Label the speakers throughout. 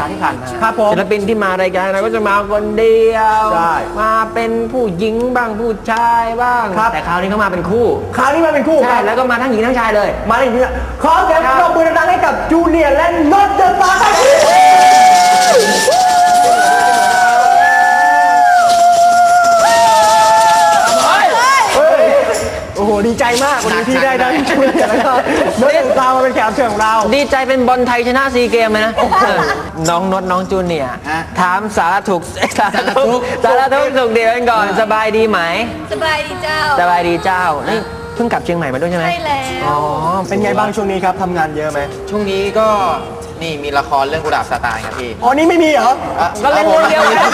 Speaker 1: าที่ผ่านมา
Speaker 2: ครับผม
Speaker 1: ศิลปินที่มารายการเราก็จะมาคนเดียวมาเป็นผู้หญิงบ้างผู้ชายบ้างแต่คราวนี้เขามาเป็นคู่
Speaker 2: คราวนี้มาเป็นคู่
Speaker 1: ใช่แล้วก็มาทั้งหญิงทั้งชายเลย
Speaker 2: มาอย่างนี้ขอเสียงปรบมือดังๆให้กับจูเนียร์และน็อตเดอะสตาร์ครับโอ้โหดีใจมากวันนี้ที่ได้จูเนียร์แล้วก็น็อตเดอะสตาร์มาเป็นแขกรับเชิญของเรา
Speaker 1: ดีใจเป็นบอลไทยชนะซีเกมเลยนะน้องน็อตน้องจูเนียร์ถามสารทุกสุขดีกันก่อนสบายดีไหม
Speaker 3: สบายดีเจ้า
Speaker 1: สบายดีเจ้านี่เพิ่งกลับเชียงใหม่มาด้วยใช่ไหม
Speaker 3: ใช่แล้ว
Speaker 1: อ๋อ
Speaker 2: เป็นไงบ้างช่วงนี้ครับทำงานเยอะไหม
Speaker 4: ช่วงนี้ก็นี่มีละครเรื่องกุหลาบซาตานครับพี่
Speaker 2: อ๋อนี่ไม่มีเหรอ
Speaker 1: ก็เล่นเรื่องเดียวกัน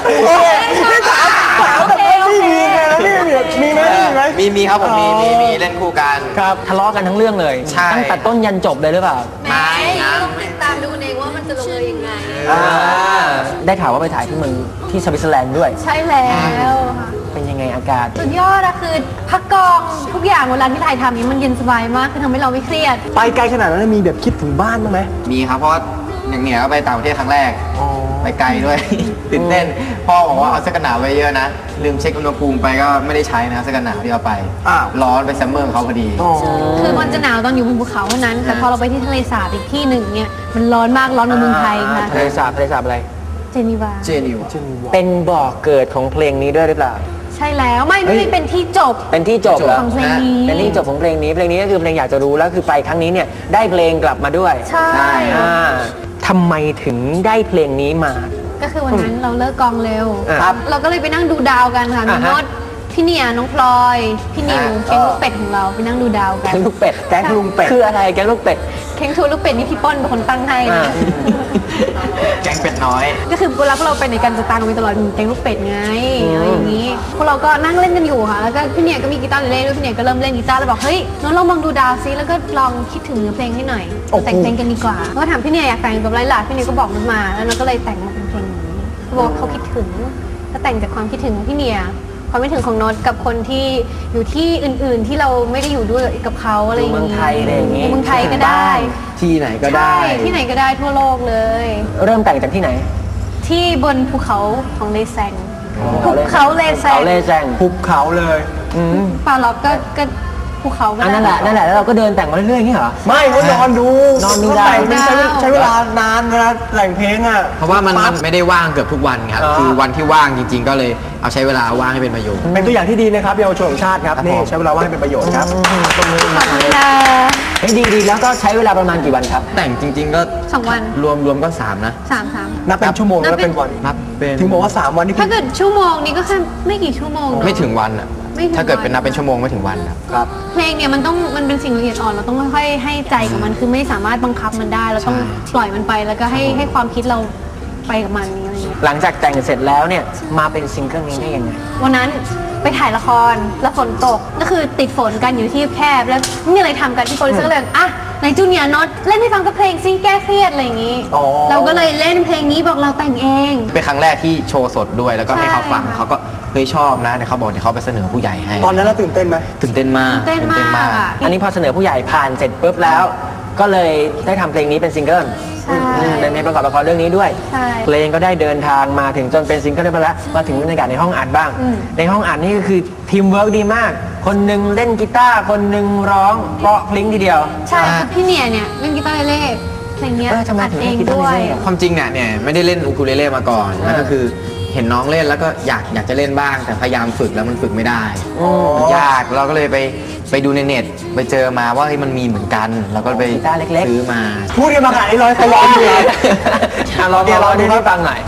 Speaker 2: ถามแบบไม่มีไงนี่มีไหม
Speaker 4: มีครับผมมีเล่นคู่กัน
Speaker 2: ครับ
Speaker 1: ทะเลาะกันทั้งเรื่องเลยตั้งแต่ต้นยันจบเลยหรือเปล่า
Speaker 3: ไม่ต้องติดตามดูเองว่ามันจะลงเอยยังไง
Speaker 1: ได้ข่าวว่าไปถ่ายที่เมืองที่สวิตเซอร์แลนด์ด้วย
Speaker 3: ใช่แล้ว
Speaker 1: เป็นยังไงอากาศ
Speaker 3: สุดยอดอะคือพักกองทุกอย่างเวลาที่ถ่ายทำนี้มันเย็นสบายมากคือทำให้เราไม่เครียด
Speaker 2: ไปไกลขนาดนั้นมีแบบคิดถึงบ้านบ้างไหม
Speaker 4: มีครับเพราะอย่างเหนียก็ไปต่างประเทศครั้งแรกไปไกลด้วยตื่นเต้นพ่อบอกว่าเอาเสื้อกันหนาวไว้เยอะนะลืมเช็คอุณหภูมิไปก็ไม่ได้ใช้นะเสื้อกันหนาวที่เอาไปร้อนไปซัมเมอร์เขาพอดี
Speaker 3: คือมันจะหนาวตอนอยู่บนภูเขาเท่านั้นแต่พอเราไปที่ทะเลสาบอีกที่หนึ่งเนี่ยมันร้อนมากร้อนกว่าเมืองไทยค่ะ
Speaker 1: ทะเลสาบอะไร
Speaker 3: เจนีวา
Speaker 1: เป็นบ่อเกิดของเพลงนี้ด้วยหรือเปล่า
Speaker 3: ใช่แล้วไม่เป็นที่จบ
Speaker 1: เป็นที่จบ
Speaker 3: ของเพลงนี้
Speaker 1: เป็นที่จบของเพลงนี้ก็คือเพลงอยากจะรู้แล้วคือไปครั้งนี้เนี่ยได้เพลงกลับมาด้วย
Speaker 3: ใช่
Speaker 1: ทำไมถึงได้เพลงนี้มา
Speaker 3: ก็คือวันนั้นเราเลิกกองเร็วเราก็เลยไปนั่งดูดาวกันค่ะมีโน้ตพี่เนียน้องพลอยพี่นิวแก๊งลูกเป็ดของเราไปนั่งดูดาวกัน
Speaker 1: แก๊งลูกเป็ดคืออะไรแก๊งลูกเป็ด
Speaker 3: แก๊งทูลูกเป็ดนี่พี่ป้อนเป็นคนตั้งให้นะ
Speaker 4: แก๊งเป็ดน้อย
Speaker 3: ก็คือเวลาพวกเราไปในการจะตามกันไปตลอดแก๊งลูกเป็ดไงอะไรอย่างนี้พวกเราก็นั่งเล่นกันอยู่ค่ะแล้วก็พี่เนียก็มีกีตาร์เล่นด้วยพี่เนียก็เริ่มเล่นกีตาร์แล้วบอกเฮ้ยน้องลองมองดูดาวซิแล้วก็ลองคิดถึงเนื้อเพลงให้หน่อยแต่งเพลงกันดีกว่าก็ถามพี่เนียอยากแต่งแบบไรล่ะพี่เนียก็บอกมันมาแล้วเราก็เลยแต่งมาเป็นเพลงนี้เขาบอกเขาคิดถึงก็แต่งจากความคิดถึงของพี่เนียความคิดถึงของโน้ตกับคนที่อยู่ที่อื่นๆที่เราไม่ได้อยู่ด้วยกับเขาอะไรอย่างนี้
Speaker 1: เมืองไทยอะไรอย่างนี้
Speaker 3: เมืองไทยก็ได้
Speaker 4: ที่ไหนก็ได้
Speaker 3: ที่ไหนก็ได้ทั่วโลกเลย
Speaker 1: เริ่มแต่งจากที่ไหน
Speaker 3: ที่บนภูเขาของเลแซงภูเขาเลแซง
Speaker 2: ภูเขาเลย
Speaker 3: ปาล็อกก็ภูเขา
Speaker 1: นั่นแหละแล้วเราก็เดินแต่งมาเรื่อยๆอย่างนี้เหรอ
Speaker 2: ไม่ก็นอนดู
Speaker 1: ได้
Speaker 2: ใช้เวลานานเวลาแต่งเพลงอ่ะ
Speaker 4: เพราะว่ามันไม่ได้ว่างเกือบทุกวันครับคือวันที่ว่างจริงๆก็เลยเอาใช้เวลาว่างให้เป็นประโยชน์
Speaker 2: เป็นตัวอย่างที่ดีนะครับเยาวชนของชาติครับนี่ใช้เวลาว่างให้เป็นประโยชน์ครับ
Speaker 3: ขอบคุณค่ะ
Speaker 1: ดีแล้วก็ใช้เวลาประมาณกี่วันครับ
Speaker 4: แต่งจริงๆก็
Speaker 3: 2 วัน
Speaker 4: รวมก็3นะ
Speaker 2: นับเป็นชั่วโมงแล้วเป็นวัน
Speaker 4: นับเป็น
Speaker 2: ถึงบอกว่า3 วันนี่
Speaker 3: ถ้าเกิดชั่วโมงนี้ก็แค่ไม่กี่ชั่วโมง
Speaker 4: ไม่ถึงวันอ่ะถ้าเกิดเป็นนับเป็นชั่วโมงไม่ถึงวันครับ
Speaker 3: เพลงเนี่ยมันเป็นสิ่งละเอียดอ่อนเราต้องค่อยๆให้ใจกับมันคือไม่สามารถบังคับมันได้เราต้องปล่อยมันไปแล้วก็ให้ความคิดเราไปกับมันอะไรอย่างเงี้ย
Speaker 1: หลังจากแต่งเสร็จแล้วเนี่ยมาเป็นซิงเกิลนี้ได้ยังไง
Speaker 3: วันนั้นไปถ่ายละครแล้วฝนตกก็คือติดฝนกันอยู่ที่แคบแล้วนี่อะไรทำกันที่โปรดิวเซอร์ก็เลยในจูเนียร์น็อตเล่นให้ฟังกับเพลงซิแก้เครียดอะไรอย่างงี้เราก็เลยเล่นเพลงนี้บอกเราแต่งเอง
Speaker 4: เป็นครั้งแรกที่โชว์สดด้วยแล้วก็ให้เขาฟังเขาก็เฮ้ยชอบนะเดี๋ยวเขาบอกเดี๋ยวเขาไปเสนอผู้ใหญ่ให้
Speaker 2: ตอนนั้นเราตื่นเต้นไหม
Speaker 4: ตื่นเต้นมาก
Speaker 1: อันนี้พอเสนอผู้ใหญ่ผ่านเสร็จปุ๊บแล้วก็เลยได้ทำเพลงนี้เป็นซิงเกิลเป็นเพลงประกอบละครเรื่องนี้ด้วยเพลงก็ได้เดินทางมาถึงจนเป็นซิงเกิลได้ไปแล้วมาถึงบรรยากาศในห้องอัดบ้างในห้องอัดนี่ก็คือทีมเวิร์กดีมากคนหนึ่งเล่นกีตาร์คนหนึ่งร้องเพราะพลิ้งทีเดียว
Speaker 3: ใช่พี่เนี่ยเล่นกีตาร์เล่เพลงนี้อัดเองด้วย
Speaker 4: ความจริงเนี่ยไม่ได้เล่นอูคูเลเล่มาก่อนแล้วก็คือเห็นน้องเล่นแล้วก็อยากจะเล่นบ้างแต่พยายามฝึกแล้วมันฝึกไม่ได้ยากเราก็เลยไปดูในเน็ตไปเจอมาว่ามันมีเหมือนกันเราก็ไปซื้อมา
Speaker 2: พูดกันมาขนาดนี้เขาร้องอยู่เลย
Speaker 1: ลองดูให้ฟังหน่อย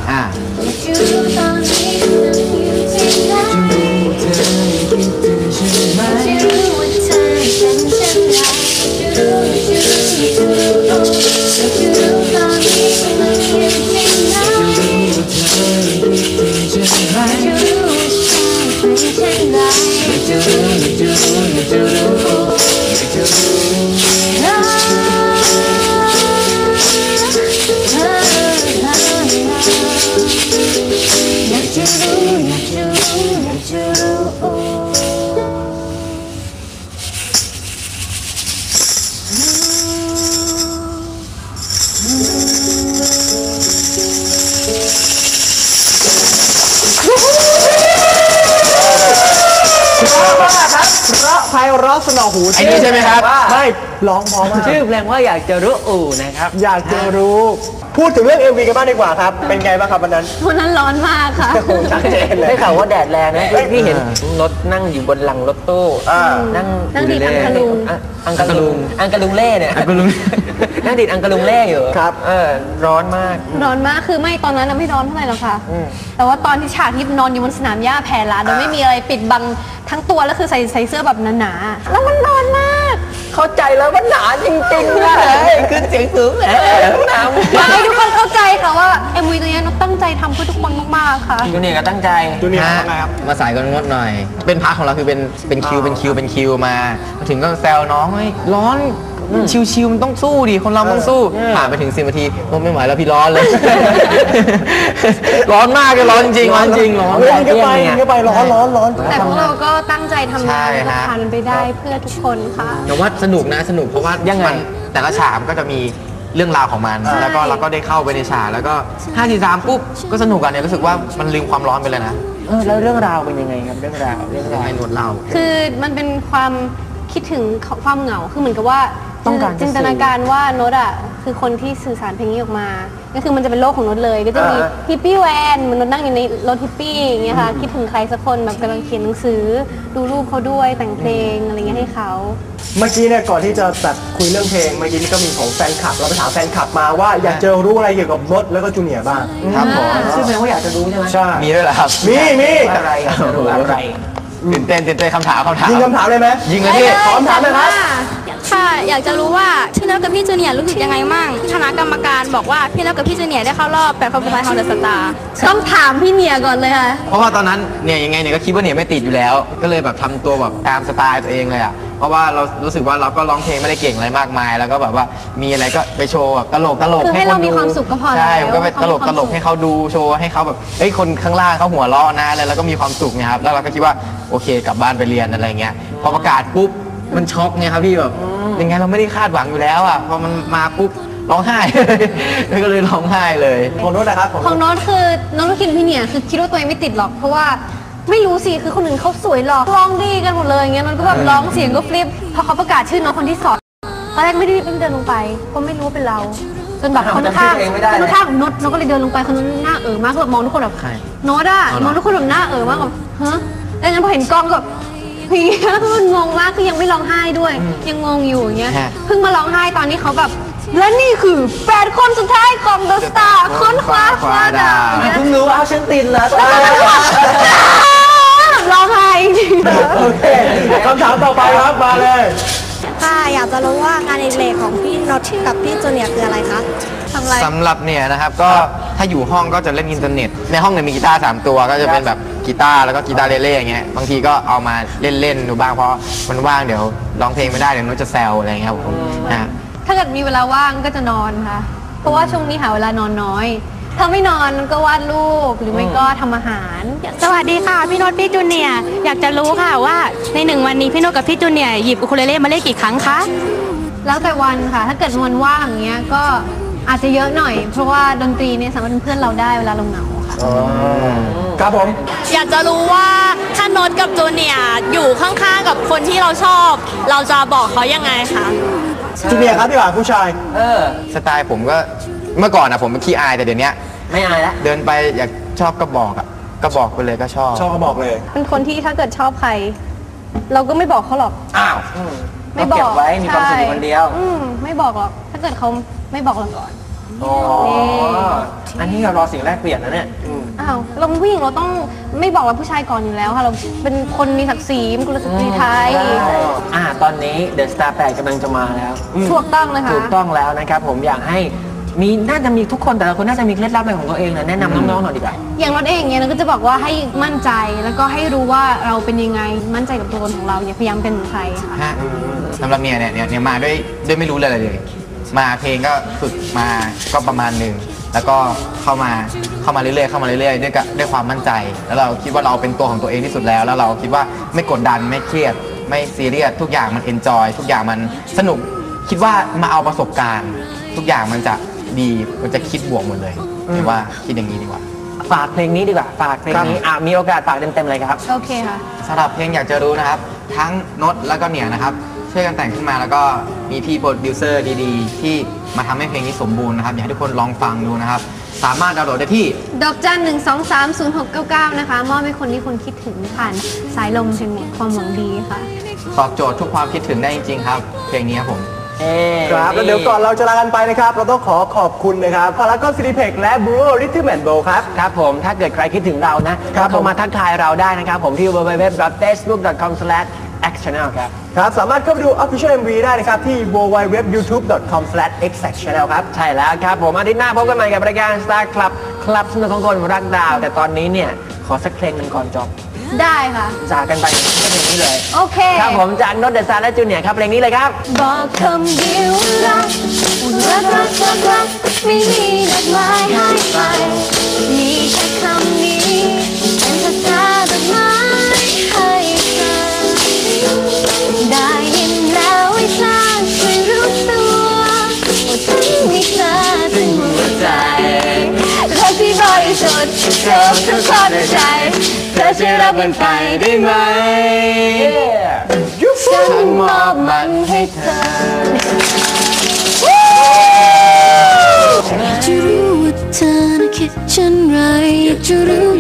Speaker 2: ไพเราะสนอหู
Speaker 4: ไอ้นี่ใช่ไหมครับ
Speaker 2: ไม่ร้องเพอมาก
Speaker 1: ชื่อเพลงว่าอยากจะรู้นะครับ
Speaker 2: อยากจะรู้พูดถึงเรื่อง MV กันบ้างดีกว่าครับเป็นไงบ้างครับวันนั้น
Speaker 3: วันนั้นร้อนมากค่ะ
Speaker 2: ชัดเจนเลย
Speaker 1: ได้ข่าวว่าแดดแรงนะพี่เห็นรถนั่งอยู่บนหลังรถตู้ นั่ง
Speaker 3: นั่งดีดอังกะลุง
Speaker 1: อังกะลุงเล่เนี่ย
Speaker 4: อังกะลุง
Speaker 1: นั่งดีดอังกะลุงเล่อยู่
Speaker 2: ครับ
Speaker 1: ร้อนมาก
Speaker 3: ร้อนมากคือไม่ตอนนั้นน่ะไม่ร้อนเท่าไหร่หรอกค่ะ แต่ว่าตอนที่ฉากที่นอนอยู่บนสนามหญ้าแผ่ลาโดยไม่มีอะไรปิดบังทั้งตัวแล้วคือใส่เสื้อแบบหนาๆแล้วมันร้อนมาก
Speaker 1: เข้าใจแล้วว่าหนาจริงๆนะขึ้นเสียงสูงแหมหนาว
Speaker 3: อยากให้ทุกคนเข้าใจค่ะว่า MV ตัวนี้นกตั้งใจทำเพื่อทุกคนมากๆค่ะ
Speaker 1: จูเนียร์ก็ตั้งใจ
Speaker 2: จูเนียร์ทำไงครับ
Speaker 4: มาสายกันงดหน่อย เป็นพาร์ทของเราคือเป็นคิวมาถึงก็แซวน้องเฮ้ยร้อนชิวๆมันต้องสู้ดิคนเราต้องสู้ผ่านไปถึง10 นาทีโอ้ไม่ไหวแล้วพี่ร้อนเลย ร้อนมากเลยร้อนจริงร้อนจริงร้อน
Speaker 2: เฮ้ยยิงเข้าไปร้อน
Speaker 3: แต่พวกเราก็ตั้งใจทำงาน
Speaker 4: ใช่
Speaker 3: แล้วก็
Speaker 4: ฮะ
Speaker 3: ผ่านมันไปได้เพื่อทุกคนค่ะ
Speaker 4: แต่ว่าสนุกนะสนุกเพราะว่ายังไงแต่ละฉากก็จะมีเรื่องราวของมัน
Speaker 3: ใช่
Speaker 4: แล้วก็เราก็ได้เข้าไปในฉากแล้วก็5 4 3ปุ๊บก็สนุกกันเนี่ยรู้สึกว่ามันลืมความร้อนไปเลยนะ
Speaker 1: แล้วเรื่องราวเป็นยังไงครับเรื่องราว
Speaker 4: ให้นวดเรา
Speaker 3: คือมันเป็นความคิดถึงความเหงาคือเหมือนกับว่า
Speaker 1: ต้องการ
Speaker 3: จินตนาการว่าโน้ตอ่ะคือคนที่สื่อสารเพลงนี้ออกมา ก็คือมันจะเป็นโลกของโน้ตเลย ก็จะมีฮิปปี้แวนเหมันโน้ตนั่งอยู่ในรถฮิปปี้อย่างเงี้ยค่ะคิดถึงใครสักคนแบบกำลังเขียนหนังสือดูรูปเขาด้วยแต่งเพลงอะไรเงี้ยให้เขา
Speaker 2: เมื่อกี้เนี่ยก่อนที่จะแบบคุยเรื่องเพลงเมื่อกี้นี่ก็มีของแฟนคลับเราไปถามแฟนคลับมาว่าอยากจะรู้อะไรเกี่ยวกับรถแล้วก็จูเนียร์บ้าง
Speaker 4: ครับผม
Speaker 1: ชื่อเพลงว่าอยากจะรู้ใช่ไหม
Speaker 2: ใช่
Speaker 4: มีด้วยเหรอครับ
Speaker 2: มี
Speaker 1: อะไรอยากจะรู้อะไร
Speaker 4: ตื่นเต้นคำถาม
Speaker 2: ยิงคำถามเลยไหม
Speaker 4: ยิงเลยพี่
Speaker 2: ขอคำถามเลยครับ
Speaker 5: ค่ะอยากจะรู้ว่าพี่นพกับพี่จูเนียร์รู้สึกยังไงมั่งคณะกรรมการบอกว่าพี่นพกับพี่จูเนียร์ได้เข้ารอบ8 คนสุดท้ายของเดอะสตาร์
Speaker 3: ต้องถามพี่เนียก่อนเลยค่ะ
Speaker 4: เพราะว่าตอนนั้นเนี่ยยังไงเนี่ยก็คิดว่าเนี่ยไม่ติดอยู่แล้ว ก็เลยแบบทำตัวแบบตามสไตล์ตัวเองเลยอ่ะเพราะว่าเรารู้สึกว่าเราก็ร้องเพลงไม่ได้เก่งอะไรมากมาย แล้วก็แบบว่ามีอะไรก็ไปโชว์แบบตลก
Speaker 3: คือให้เรามีความสุขก็พอแล้ว
Speaker 4: ใช่ผมก็ไปตลก
Speaker 3: ให้เขามีความสุข
Speaker 4: ให้เขาดูโชว์ให้เขาแบบเฮ้ยคนข้างล่างเขาหัวเราะนะแล้วก็มีความสุขเนี่ยครับแล้วเราก็คิดว่าโอเคกลับบ้านไปเรียนอะไรเงี้ยพอประกาศปุ๊บมันช็อกไงครับพี่แบบยังไงเราไม่ได้คาดหวังอยู่แล้วอ่ะพอมันมาปุ๊บร้องไห้ ก็เลยร้องไห้เลย
Speaker 2: ของโน้ตนะครับ
Speaker 3: ของโน้ตคือโน้ตคิดพี่เนี่ยคือคิดว่าตัวเองไม่ติดหรอกเพราะว่าไม่รู้สิคือคนอื่นเขาสวยหรอกร้องดีกันหมดเลยอย่างเงี้ยโน้ตก็แบบร้องเสียงก็ฟลิปพอเขาประกาศชื่อน้องคนที่สองตอนแรกไม่ได้เดินลงไปก็ไม่รู้ว่าเป็นเราจนแบบคนข้างโน้ตก็เลยเดินลงไปคนนั้นหน้ามากแบบมองทุกคนแบบ
Speaker 4: ใคร
Speaker 3: โน้ตอะมองทุกคนแบบหน้ามากแบบฮะแล้วงั้นพอเห็นกล้องก็แบบพี่แล้วมันงงมากคือยังไม่ร้องไห้ด้วย ยังงงอยู่อย่างเงี้ยเพิ่งมาร้องไห้ตอนนี้เขาแบบและนี่คือ8 คนสุดท้ายของ The Star ค้นคว้าคว้าดาว
Speaker 1: เพิ่งรู้ว่าเอาฉันติดแล้ว
Speaker 3: ร้องไห้จริง
Speaker 2: โอเคคำถามต่อไปครับมาเลย
Speaker 5: ค่ะอยากจะรู้ว่างานอดิเรกของพี่นพกับพี่จูเนียร์คืออะไรคะ
Speaker 3: ทำอะไร
Speaker 4: สำหรับเนี่ยนะครับก็ถ้าอยู่ห้องก็จะเล่นอินเทอร์เน็ตในห้องเนี่ยมีกีตาร์3 ตัวก็จะเป็นแบบกีตาร์แล้วก็กีตาร์เล่ๆอย่างเงี้ยบางทีก็เอามาเล่นๆดูบ้างเพราะมันว่างเดี๋ยวร้องเพลงไม่ได้เดี๋ยวนุ้จะแซวอะไรเงี้ยครับผมนะ
Speaker 3: ถ้าเกิดมีเวลาว่างก็จะนอนค่ะ เพราะว่าช่วงนี้หาเวลานอนน้อย ถ้าไม่นอนก็วาดรูปหรือไม่ก็ทำอาหาร
Speaker 5: สวัสดีค่ะพี่นพพี่จูเนียร์อยากจะรู้ค่ะว่าใน1 วันนี้พี่นพกับพี่จูเนียร์หยิบอูคูเลเล่มาเล่นกี่ครั้งคะ
Speaker 3: แล้วแต่วันค่ะ ถ้าเกิดวันว่างอย่างเงี้ยก็อาจจะเยอะหน่อย เพราะว่าดนตรีเนี่ยสามารถเป็นเพื่อนเราได้เวลาเราเหงาค่ะ
Speaker 2: ครับผม
Speaker 5: อยากจะรู้ว่าถ้านพกับจูเนียร์อยู่ข้างๆกับคนที่เราชอบ เราจะบอกเขายังไงคะ
Speaker 2: จูเนียร์ครับดีกว่าผู้ชาย
Speaker 4: สไตล์ผมก็เมื่อก่อนอะผมเป็นขี้อายแต่เดี๋ยวนี้
Speaker 1: ไม่อายแล้ว
Speaker 4: เดินไปอยากชอบก็บอกอะก็บอกไปเลยก็ชอบ
Speaker 2: ชอบก็บอกเลย
Speaker 3: เป็นคนที่ถ้าเกิดชอบใคร เราก็ไม่บอกเขาหรอก
Speaker 1: อ้าว
Speaker 3: ไม่บ
Speaker 1: เก็
Speaker 3: อบ ก
Speaker 1: ไว้มีความสุขอยู่คนเดียว
Speaker 3: ไม่บอกหรอก ถ้าเกิดเขาไม่บอกเราก่อน
Speaker 1: อ๋ออันนี้เรารอสิ่งแรกเปลี่ยนนะเนี่ย
Speaker 3: อ้าวเราเป็นผู้หญิงเราต้องไม่บอกเราผู้ชายก่อนอยู่แล้วค่ะ เราเป็นคนมีศักดิ์ศรีเป็นกุลสตรีไทย
Speaker 1: ตอนนี้ The Star 8กำลังจะมาแล้ว
Speaker 3: ถูกต้องเลยค่ะ
Speaker 1: ถูกต้องแล้วนะครับผมอยากให้น่าจะมีทุกคนแต่ละคนน่าจะมีเคล็ดลับเป็นของตัวเองนะแนะนำน้องๆหน่อยดีกว่า
Speaker 3: อย่างเราเองเนี่ยเราก็จะบอกว่าให้มั่นใจแล้วก็ให้รู้ว่าเราเป็นยังไงมั่นใจกับตัวตนของเราอย่าพยายามเป็นเหมือนใครค่ะ
Speaker 4: ฮะสำหรับเนี่ยมาด้วยไม่รู้เลย มาเพลงก็ฝึกมาก็ประมาณหนึ่งแล้วก็เข้ามาเรื่อยๆด้วยความมั่นใจ แล้วเราคิดว่าเราเป็นตัวของตัวเองที่สุดแล้วเราคิดว่าไม่กดดันไม่เครียดไม่ซีเรียสทุกอย่างมันเอนจอยทุกอย่างมันสนุกคิดว่ามาเอาประสบการณ์ ทุกอย่างมันจะดีมันจะคิดบวกหมดเลยคิดว่าคิดอย่างนี้ดีกว่า
Speaker 1: ฝากเพลงนี้ดีกว่าฝากเพลงนี้มีโอกาสฝากเต็มๆเลยครับ
Speaker 3: โอเคค่ะ
Speaker 4: สำหรับเพลงอยากจะรู้นะครับทั้งนดแล้วก็เนี่ยนะครับช่วยกันแต่งขึ้นมาแล้วก็มีพี่โปรดิวเซอร์ดีๆ ที่มาทำให้เพลงนี้สมบูรณ์นะครับอยากให้ทุกคนลองฟังดูนะครับสามารถดาวน์โหลดได้ที่
Speaker 3: ดอกจัน 1230699 นะคะมอบให้คนที่คุณคิดถึงผ่านสายลมแห่งความหวังดีค่ะ
Speaker 4: ตอบโจทย์ทุกความคิดถึงได้จริงๆครับเพลงนี้ครับผม
Speaker 2: ครับแล้วเดี๋ยวก่อนเราจะลากันไปนะครับเราต้องขอบคุณนะครับพารากอนซินิเพ็กและบูโรริทึมแอนด์โบครับ
Speaker 1: ครับผมถ้าเกิดใครคิดถึงเรานะครับ โทรมาทักทายเราได้นะครับผมที่ www.facebook.com/xchannel ครับ
Speaker 2: ครับสามารถเข้าไปดู Official MV ได้นะครับที่ www.youtube.com/xchannel ครับ
Speaker 1: ใช่แล้วครับผมอาทิตย์หน้าพบกันใหม่กับรายการ Star Club คลับสนุกของคนรักดาว แต่ตอนนี้เนี่ยขอสักเพลงหนึ่งก่อนจบ
Speaker 3: ได้ค่ะ
Speaker 1: จากกันไปก็เพลงนี้เลย
Speaker 3: โอเค
Speaker 1: ครับผมจากนดเดอะซาร์และจูเนียร์ครับเพลงนี้เลยครับ
Speaker 5: บอกคำเดียวรักรักไม่มีดอกไม้ให้ไปมีแค่คำนี้เป็นภาษาดอกไม้ให้เธอได้ยินแล้วให้เธอช่วยรู้ตัวว่าฉันมีเธอถึงหัวใจรักที่บริสุทธิ์เธอทุกคนใจเธอช่วยรับมันไปได้ไหมฉันมอบมันให้เธอ จะรู้ว่าเธอน่ะคิดเช่นไรจะรู้